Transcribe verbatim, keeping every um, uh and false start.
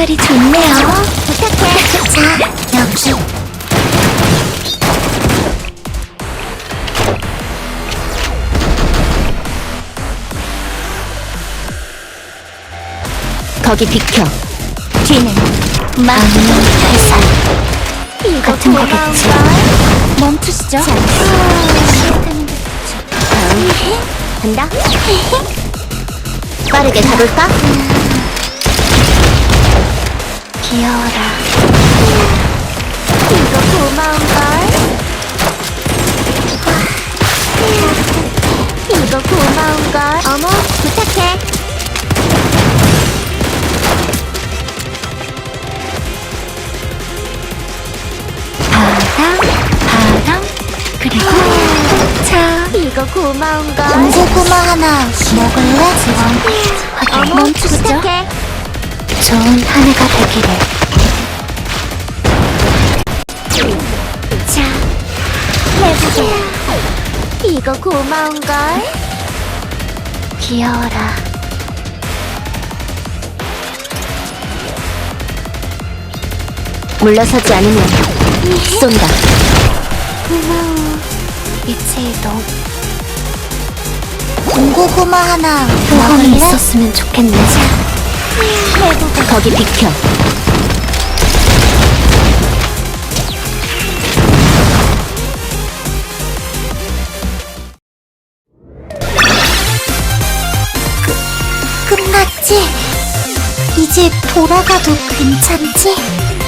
색깔이 좋네요. 부탁해. 자, 여기. 거기 비켜. 뒤는 마음의 회사. 이거 같은 거겠지. 고마운걸? 멈추시죠. 자, 시작하는 게 좋죠. 간다. 빠르게 가볼까? 귀여워라. 이거 고마운걸? 이거 고마운걸? 어머, 부탁해. 바람, 바람, 그리고 차. 이거 고마운걸? 군고구마 하나 먹을래? 어머, 어머, 멈추시죠. 부탁해. 좋은 한 해가 되기를. 자, 해보게. 이거 고마운걸? 귀여워라. 물러서지 않으면 쏜다. 고마워. 이체 이동. 군고구마 하나 소원이 먹을래? 있었으면 좋겠네. 해보게. 거기 비켜. 끝났지? 이제 돌아가도 괜찮지?